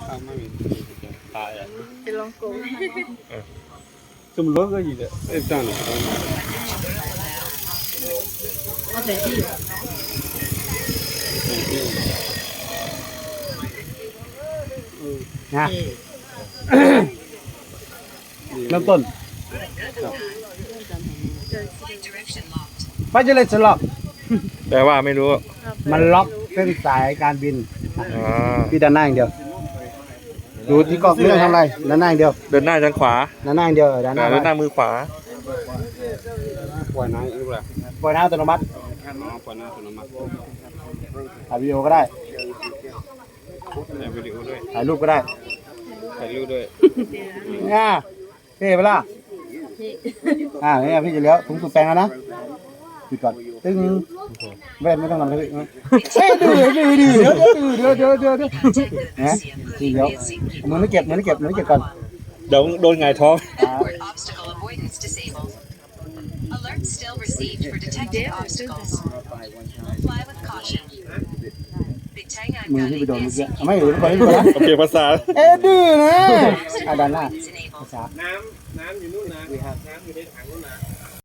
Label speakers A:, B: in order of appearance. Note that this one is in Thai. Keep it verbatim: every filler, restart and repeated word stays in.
A: ไม่มีตายอ่ะ
B: จะลองโกง
A: สมรสก็อยู่เลยเอ๊ะจัง
B: เอาแต่ที่
C: นะเริ่มต้นไม่ใช่เลยสล็อก
D: แต่ว่าไม่รู้
C: มันล็อกเส้นสายการบิน
D: อ่า
C: ที่ด้านหน้าอย่างเดียวดูที่กล้องไม่ต้องทำอะไรด้านหน้าอย่างเดียว
D: เดินหน้าทางขวา
C: ด้านหน้าอย่างเดียวเออด้านหน้า
D: เดินหน้ามือขวา
A: ปล่อยน้ำอีกแล้ว
C: ปล่อยน้ำอัตโนมัติ
A: น้องปล่อยน้ำอัตโนมัติ
C: ถ่ายวิดีโอก็ได้
A: ถ่ายวิดีโอด้วย
C: ถ่ายรูปก็ได้
A: ถ่ายรูปด้วย
C: อ่าเท่ไปล่ะอ่าเนี่ยพี่จะเลี้ยวถุงสูบแปลงแล้วนะปิดก่อนตึ้งแว่นไม่ต้องทำอะไรเลยเฮ้ยดื้อดื้อดื้อเดี๋ยวเดี๋ยวเดี๋ยวเดี๋ยวเดี๋ยวนะทีเดียวมือไม่เก็บมือไม่เก็บมือไม่เก็บก่อน
D: เดี๋ยวโดนไงท้อง
E: Obstacle avoidance disabled. Alert still received for detected obstacles. Fly with caution.
C: มือที่ไปโดนเมื่อกี้ไม่หรือไปไม่ไปนะ
D: โอเคภาษา
C: เอ๊ะดื้อนะอ่ะด้านหน้าภาษา
A: น้ำน้ำอยู่นู่นนะน้ำอยู่ในถังนู่นนะ